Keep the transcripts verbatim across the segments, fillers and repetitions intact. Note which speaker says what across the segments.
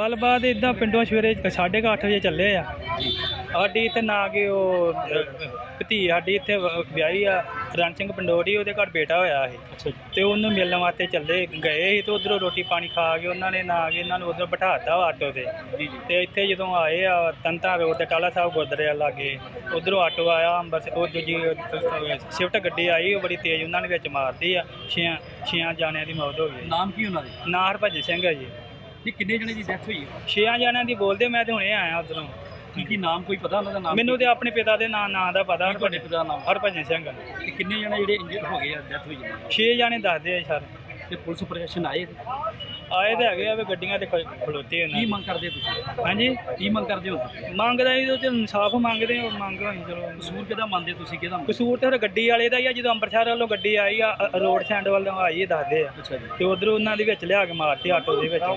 Speaker 1: ਗੱਲਬਾत ਇੱਦਾਂ ਪਿੰਡੋਂ ਸਵੇਰੇ ਸਾਢੇ ਕੁ ਅੱਠ ਵਜੇ ਚੱਲੇ ਆ। ਸਾਡੀ ਇੱਥੇ ਨਾ ਕਿ ਉਹ ਭਤੀ ਸਾਡੀ ਇੱਥੇ ਵਿਆਹੀ ਆ ਰਣ ਸਿੰਘ ਪੰਡੋਰੀ, ਉਹਦੇ ਘਰ ਬੇਟਾ ਹੋਇਆ ਸੀ।
Speaker 2: ਅੱਛਾ ਜੀ।
Speaker 1: ਤੇ ਉਹਨੂੰ ਮਿਲਣ ਵਾਸਤੇ ਚੱਲੇ ਗਏ ਸੀ ਤੇ ਉਧਰੋਂ ਰੋਟੀ ਪਾਣੀ ਖਾ ਕੇ ਉਹਨਾਂ ਨੇ ਨਾ ਕਿ ਇਹਨਾਂ ਨੂੰ ਉਧਰ ਬਿਠਾਤਾ ਆਟੋ ਤੇ।
Speaker 2: ਜੀ ਜੀ।
Speaker 1: ਤੇ ਇੱਥੇ ਜਦੋਂ ਆਏ ਆ ਤੰਤਾ ਰੋਡ ਤੇ ਟਾਲਾ ਸਾਹਿਬ ਗੁਰਦੁਆਰੇ ਲਾਗੇ, ਉਧਰੋਂ ਆਟੋ ਆਇਆ ਅੰਬਰਸਰ, ਉਹ ਦੂਜੀ ਸ਼ਿਫਟ ਗੱਡੀ ਆਈ, ਉਹ ਬੜੀ ਤੇਜ਼ ਉਹਨਾਂ ਨੇ ਵਿੱਚ ਮਾਰਦੀ ਆ। ਛੇ ਛੇਆਂ ਜਾਣਿਆਂ ਦੀ ਮੌਤ ਹੋ ਗਈ।
Speaker 2: ਨਾਮ ਕੀ ਉਹਨਾਂ ਦੇ?
Speaker 1: ਨਾਂ ਹਰਭਜਨ ਸਿੰਘ ਹੈ ਜੀ।
Speaker 2: ਇਹ ਕਿੰਨੇ ਜਣੇ ਦੀ ਡੈਥ ਹੋਈ ਹੈ?
Speaker 1: ਛੇਆਂ ਜਾਣਿਆਂ ਦੀ ਬੋਲਦੇ, ਮੈਂ ਤੇ ਹੁਣੇ ਆਇਆ ਉਧਰੋਂ।
Speaker 2: ਕੀ ਕੀ ਨਾਮ ਕੋਈ ਪਤਾ ਉਹਨਾਂ ਦਾ ਨਾਮ?
Speaker 1: ਮੈਨੂੰ ਤੇ ਆਪਣੇ ਪਿਤਾ ਦੇ ਨਾਂ ਨਾਂ ਦਾ ਪਤਾ।
Speaker 2: ਤੁਹਾਡੇ ਪਿਤਾ ਦਾ ਨਾਮ?
Speaker 1: ਹਰਭਜਨ ਸਿੰਘ।
Speaker 2: ਤੇ ਕਿੰਨੇ ਜਣੇ ਜਿਹੜੇ ਇੰਜਰਡ ਹੋ ਗਏ ਆ, ਡੈਥ ਹੋਈ ਹੈ?
Speaker 1: ਛੇ ਜਾਣੇ ਦੱਸਦੇ ਆ ਸਰ।
Speaker 2: ਤੇ ਪੁਲਿਸ ਪ੍ਰਸ਼ਾਸਨ ਆਏ?
Speaker 1: ਆਏ ਤੇ ਹੈਗੇ ਆ ਵੀ ਗੱਡੀਆਂ ਤੇ ਖਲੋਤੇ ਉਹਨਾਂ
Speaker 2: ਕੀ
Speaker 1: ਦੀ।
Speaker 2: ਮੰਗ ਕਰਦੇ ਤੁਸੀਂ?
Speaker 1: ਹਾਂਜੀ,
Speaker 2: ਕੀ ਮੰਗ ਕਰਦੇ ਹੋ?
Speaker 1: ਮੰਗਦਾ ਜੀ, ਉਹ ਤੇ ਇਨਸਾਫ ਮੰਗਦੇ ਆ। ਮੰਗ ਹੋਈ ਚਲੋ।
Speaker 2: ਕਸੂਰ ਕਿਹਦਾ ਮੰਨਦੇ ਤੁਸੀਂ, ਕਿਹਦਾ?
Speaker 1: ਕਸੂਰ ਤੇ ਫਿਰ ਗੱਡੀ ਵਾਲੇ ਦਾ ਹੀ ਆ। ਜਦੋਂ ਅੰਮ੍ਰਿਤਸਰ ਵੱਲੋਂ ਗੱਡੀ ਆਈ ਆ, ਰੋਡ ਸੈਂਡ ਵੱਲੋਂ ਆਈ ਹੈ ਦੱਸਦੇ ਆ।
Speaker 2: ਅੱਛਾ ਜੀ।
Speaker 1: ਤੇ ਉਧਰੋਂ ਉਹਨਾਂ ਦੇ ਵਿੱਚ ਲਿਆ ਕੇ ਮਾਰਤੀ ਆਟੋ ਦੇ ਵਿੱਚ। ਹਾਂ,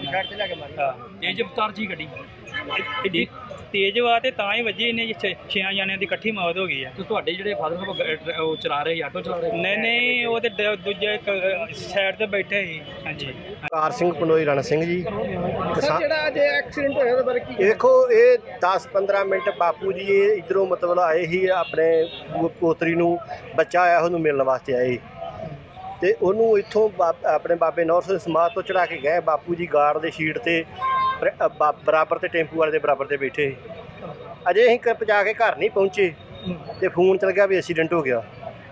Speaker 2: ਤੇਜ਼ ਰਫ਼ਤਾਰ ਜੀ ਗੱਡੀ?
Speaker 1: ਐਡੀ ਤੇਜ਼ ਵਾ ਤੇ ਤਾਂ ਹੀ ਵੱਜੀ। ਇਹਨੇ ਛੇ ਛੇਆਂ ਜਾਣਿਆਂ ਦੀ ਇਕੱਠੀ ਮੌਤ ਹੋ ਗਈ ਆ।
Speaker 2: ਤੇ ਤੁਹਾਡੇ ਜਿਹੜੇ ਫਾਦਰ ਸਾਹਿਬ ਉਹ ਚਲਾ ਰਹੇ ਆਟੋ ਚਲਾ ਰਹੇ?
Speaker 1: ਨਹੀਂ ਨਹੀਂ, ਉਹ ਤੇ ਦ- ਦੂਜੇ ਇੱਕ ਸਾਈਡ ਤੇ ਬੈਠੇ ਸੀ। ਹਾਂਜੀ।
Speaker 3: ਕਾਰ ਸਿੰਘ ਪੰਡੋਈ ਰਣ ਸਿੰਘ ਜੀ।
Speaker 4: ਸਰ ਜਿਹੜਾ ਅੱਜ ਐਕਸੀਡੈਂਟ ਹੋਇਆ ਉਹਦੇ ਬਾਰੇ ਕੀ?
Speaker 3: ਦੇਖੋ, ਇਹ ਦਸ ਪੰਦਰਾਂ ਮਿੰਟ ਬਾਪੂ ਜੀ ਇਹ ਇੱਧਰੋਂ ਮਤਲਬ ਆਏ ਸੀ ਆਪਣੇ ਪੋ- ਪੋਤਰੀ ਨੂੰ ਬੱਚਾ ਆਇਆ, ਉਹਨੂੰ ਮਿਲਣ ਵਾਸਤੇ ਆਏ ਤੇ ਉਹਨੂੰ ਇੱਥੋਂ ਬਾ- ਆਪਣੇ ਬਾਬੇ ਨੌਰ ਸਿੰਘ ਸਮਾਧ ਤੋਂ ਚੜਾ ਕੇ ਗਏ। ਬਾਪੂ ਜੀ ਗਾਰਡ ਦੇ ਸ਼ੀਟ ਤੇ ਬਰ- ਬਾ- ਬਰਾਬਰ ਤੇ ਟੈਂਪੂ ਵਾਲੇ ਦੇ ਬਰਾਬਰ ਤੇ ਬੈਠੇ। ਅਜੇ ਅਸੀਂ ਕ- ਪਹੁੰਚਾ ਕੇ ਘਰ ਨਹੀਂ ਪਹੁੰਚੇ ਤੇ ਫੋਨ ਚਲ ਗਿਆ ਵੀ ਐਕਸੀਡੈਂਟ ਹੋ ਗਿਆ।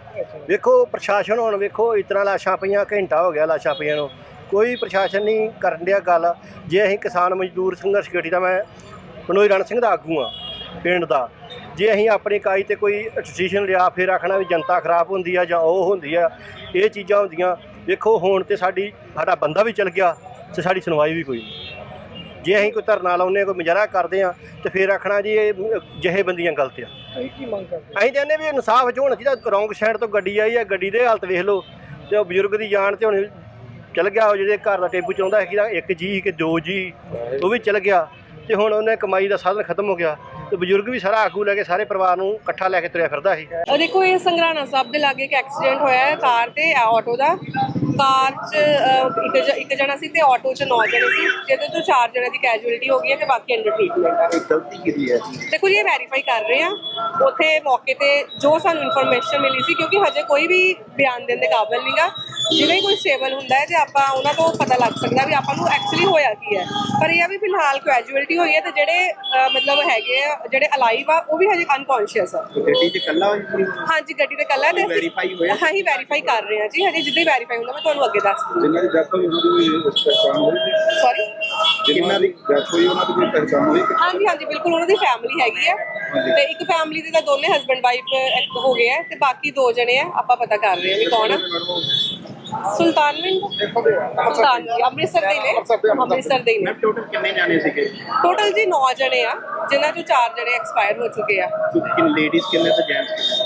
Speaker 3: ਵੇਖੋ ਪ੍ਰਸ਼ਾਸਨ ਹੁਣ ਵੇਖੋ, ਇਸ ਤਰ੍ਹਾਂ ਲਾਸ਼ਾਂ ਪਈਆਂ, ਘੰਟਾ ਹੋ ਗਿਆ ਲਾਸ਼ਾਂ ਪਈਆਂ ਨੂੰ, ਕੋਈ ਪ੍ਰਸ਼ਾਸਨ ਨਹੀਂ ਕਰਨ ਡਿਆ ਗੱਲ। ਜੇ ਅਸੀਂ ਕਿਸਾਨ ਮਜ਼ਦੂਰ ਸੰਘਰਸ਼ ਕਮੇਟੀ ਦਾ, ਮੈਂ ਪੰਡੋਈ ਰਣ ਸਿੰਘ ਦਾ ਆਗੂ ਹਾਂ ਪਿੰਡ ਦਾ, ਜੇ ਅਸੀਂ ਆਪਣੀ ਇਕਾਈ ਤੇ ਕੋਈ ਡਿਸੀਜ਼ਨ ਲਿਆ ਫਿਰ ਆਖਣਾ ਵੀ ਜਨਤਾ ਖਰਾਬ ਹੁੰਦੀ ਆ ਜਾਂ ਉਹ ਹੁੰਦੀ ਆ, ਇਹ ਚੀਜ਼ਾਂ ਹੁੰਦੀਆਂ। ਵੇਖੋ ਹੁਣ ਤੇ ਸਾਡੀ ਸਾਡਾ ਬੰਦਾ ਵੀ ਚਲ ਗਿਆ ਤੇ ਸਾਡੀ ਸੁਣਵਾਈ ਵੀ ਕੋਈ ਨਹੀਂ। ਜੇ ਅਸੀਂ ਕੋਈ ਧਰਨਾ ਲਾਉਂਦੇ ਹਾਂ, ਕੋਈ ਮੁਜ਼ਾਹਰਾ ਕਰਦੇ ਹਾਂ ਤੇ ਫਿਰ ਆਖਣਾ ਜੀ ਇਹ ਜਿਹੇ ਬੰਦੀਆਂ ਗਲਤ ਆ।
Speaker 4: ਤੁਸੀਂ ਕੀ ਮੰਗ ਕਰਦੇ?
Speaker 3: ਅਸੀਂ ਕਹਿੰਦੇ ਵੀ ਇਨਸਾਫ ਚ ਹੋਣਾ ਚਾਹੀਦਾ। ਰੌਂਗ ਸਾਈਡ ਤੋਂ ਗੱਡੀ ਆਈ ਹੈ, ਗੱਡੀ ਦੇ ਹਾਲਤ ਵੇਖ ਲਓ ਤੇ ਉਹ ਬਜ਼ੁਰਗ ਦੀ ਜਾਨ ਤੇ ਹੁਣ ਚਲ ਗਿਆ। ਉਹ ਜਿਹਦੇ ਘਰ ਦਾ ਟੇਬੂ ਚਾਹੁੰਦਾ ਸੀ ਕਿ ਇੱਕ ਜੀ ਕਿ ਦੋ ਜੀ, ਉਹ ਵੀ ਚਲ ਗਿਆ ਤੇ ਹੁਣ ਉਹਨੇ ਕਮਾਈ ਦਾ ਸਾਧਨ ਖਤਮ ਹੋ ਗਿਆ ਤੇ ਬਜ਼ੁਰਗ ਵੀ ਸਾਰਾ ਆਗੂ ਲੈ ਕੇ ਸਾਰੇ ਪਰਿਵਾਰ ਨੂੰ ਇਕੱਠਾ ਲੈ ਕੇ ਤੁਰਿਆ ਫਿਰਦਾ ਸੀ।
Speaker 5: ਦੇਖੋ, ਇਹ ਸੰਗਰਾਣਾ ਸਾਹਿਬ ਦੇ ਲਾਗੇ ਇੱਕ ਐਕਸੀਡੈਂਟ ਹੋਇਆ ਹੈ ਕਾਰ ਤੇ ਆਟੋ ਦਾ। ਕਾਰ 'ਚ ਅ, ਇੱਕ ਜ- ਇੱਕ ਜਣਾ ਸੀ ਤੇ ਆਟੋ 'ਚ ਨੌ ਜਣੇ ਸੀ, ਜਿਹਦੇ ਤੋਂ ਚਾਰ ਜਣੇ ਦੀ ਕੈਜੂਅਲਟੀ ਹੋ ਗਈ ਹੈ ਤੇ ਬਾਕੀ ਅੰਡਰ ਟ੍ਰੀਟਮੈਂਟ ਹੈ।
Speaker 3: ਗਲਤੀ ਕੀਤੀ ਹੈ।
Speaker 5: ਦੇਖੋ ਜੀ, ਇਹ ਵੈਰੀਫਾਈ ਕਰ ਰਹੇ ਆ ਉੱਥੇ ਮੌਕੇ ਤੇ ਜੋ ਸਾਨੂੰ ਇਨਫੋਰਮੇਸ਼ਨ ਮਿਲੀ ਸੀ, ਕਿਉਂਕਿ ਹਜੇ ਕੋਈ ਵੀ ਬਿਆਨ ਦੇਣ ਦੇ ਕਾਬਿਲ ਨਹੀਂਗਾ। ਜਿਵੇਂ ਕੋਈ ਸਟੇਬਲ ਹੁੰਦਾ ਹੈ ਤੇ ਆਪਾਂ ਉਹਨਾਂ ਤੋਂ ਪਤਾ ਲੱਗ ਸਕਦਾ ਵੀ ਆਪਾਂ ਨੂੰ ਐਕਚੁਅਲੀ ਹੋਇਆ ਕੀ ਹੈ। ਪਰ ਇਹ ਆ ਵੀ ਫਿਲਹਾਲ ਕੈਜੂਅਲਟੀ ਹੋਈ ਹੈ ਤੇ ਜਿਹੜੇ ਅ, ਮਤਲਬ ਹੈਗੇ ਆ, ਜਿਹੜੇ ਅਲਾਈਵ ਆ, ਉਹ ਵੀ ਹਜੇ ਅਨਕੌਂਸ਼ੀਅਸ ਆ।
Speaker 3: ਗੱਡੀ ਤੇ ਕੱਲਾ
Speaker 5: ਹਾਂਜੀ, ਗੱਡੀ ਤੇ ਕੱਲਾ ਤੇ
Speaker 3: ਵੈਰੀਫਾਈ ਹੋਇਆ?
Speaker 5: ਹਾਂ ਹੀ ਵੈਰੀਫਾਈ ਕਰ ਰਹੇ ਹਾਂ ਜੀ। ਹਜੇ ਜਿੱਦਾਂ ਹੀ ਵੈਰੀਫਾਈ ਹੁੰਦਾ ਮੈਂ ਤੁਹਾਨੂੰ ਅੱਗੇ ਦੱਸ ਦੂੰਗੀ।
Speaker 6: ਜਿਨ੍ਹਾਂ ਦੀ ਡੈਥ ਹੋਈ ਉਹਨਾਂ ਦੀ ਕੋਈ ਪਹਿਚਾਣ ਹੋਈ?
Speaker 5: ਸੌਰੀ,
Speaker 6: ਜਿਨ੍ਹਾਂ ਦੀ ਡੈਥ ਹੋਈ ਉਹਨਾਂ ਦੀ ਕੋਈ ਪਹਿਚਾਣ ਹੋਈ?
Speaker 5: ਹਾਂਜੀ ਹਾਂਜੀ ਬਿਲਕੁਲ, ਉਹਨਾਂ ਦੀ ਫੈਮਿਲੀ ਹੈਗੀ ਹੈ ਤੇ ਇੱਕ ਫੈਮਿਲੀ ਦੇ ਤਾਂ ਦੋਨੇ ਹਸਬੈਂਡ ਵਾਈਫ ਹੋ ਗਏ ਆ ਤੇ ਬਾਕੀ ਦੋ ਜਣੇ ਆ, ਆਪਾਂ ਪਤਾ ਕਰ ਰਹੇ ਹਾਂ ਵੀ ਕੌਣ ਆ। ਸੁਲਤਾਨਵਿੰਦ ਸੁਲਤਾਨ ਅੰਮ੍ਰਿਤਸਰ ਦੇ ਨੇ, ਅੰਮ੍ਰਿਤਸਰ ਦੇ ਨੇ।
Speaker 6: ਟੋਟਲ ਕਿੰਨੇ ਜਾਣੇ ਸੀਗੇ?
Speaker 5: ਟੋਟਲ ਜੀ ਨੌ ਜਣੇ ਆ, ਜਿਨ੍ਹਾਂ ਚੋਂ ਚਾਰ ਜਣੇ ਐਕਸਪਾਇਰ ਹੋ ਚੁੱਕੇ ਆ।
Speaker 6: ਕਿੰਨੇ ਲੇਡੀਜ਼ ਕਿੰਨੇ ਤੇ ਜੈਂਟਸ?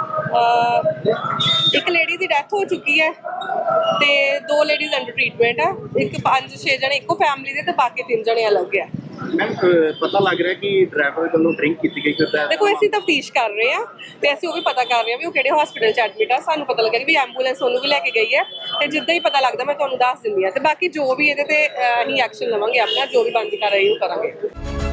Speaker 5: ਅਹ ਇੱਕ ਲੇਡੀ ਦੀ ਡੈਥ ਹੋ ਚੁੱਕੀ ਹੈ ਤੇ ਦੋ ਲੇਡੀਜ਼ ਅੰਡਰ ਟ੍ਰੀਟਮੈਂਟ ਆ। ਇੱਕ ਪੰਜ ਛੇ ਜਣੇ ਇੱਕੋ ਫੈਮਿਲੀ ਦੇ ਤੇ ਬਾਕੀ ਤਿੰਨ ਜਣੇ ਅਲੱਗ ਆ।
Speaker 6: ਮੈਮ ਪਤਾ ਲੱਗ ਰਿਹਾ ਕਿ ਡਰਾਈਵਰ ਵੱਲੋਂ ਡਰਿੰਕ ਕੀਤੀ ਗਈ ਹੁੰਦਾ ਹੈ?
Speaker 5: ਦੇਖੋ, ਅਸੀਂ ਤਫਤੀਸ਼ ਕਰ ਰਹੇ ਆ ਤੇ ਅਸੀਂ ਉਹ ਵੀ ਪਤਾ ਕਰ ਰਹੇ ਆ ਵੀ ਉਹ ਕਿਹੜੇ ਹਸਪੀਟਲ 'ਚ ਐਡਮਿਟ ਆ। ਸਾਨੂੰ ਪਤਾ ਲੱਗਿਆ ਕਿ ਵੀ ਐਂਬੂਲੈਂਸ ਉਹਨੂੰ ਵੀ ਲੈ ਕੇ ਗਈ ਹੈ ਤੇ ਜਿੱਦਾਂ ਹੀ ਪਤਾ ਲੱਗਦਾ ਮੈਂ ਤੁਹਾਨੂੰ ਦੱਸ ਦਿੰਦੀ ਆ। ਤੇ ਬਾਕੀ ਜੋ ਵੀ ਇਹਦੇ ਤੇ ਅਹ, ਅਸੀਂ ਐਕਸ਼ਨ ਲਵਾਂਗੇ, ਆਪਣਾ ਜੋ ਵੀ ਬਣਦੀ ਕਰ ਰਹੀ ਉਹ ਕਰਾਂਗੇ।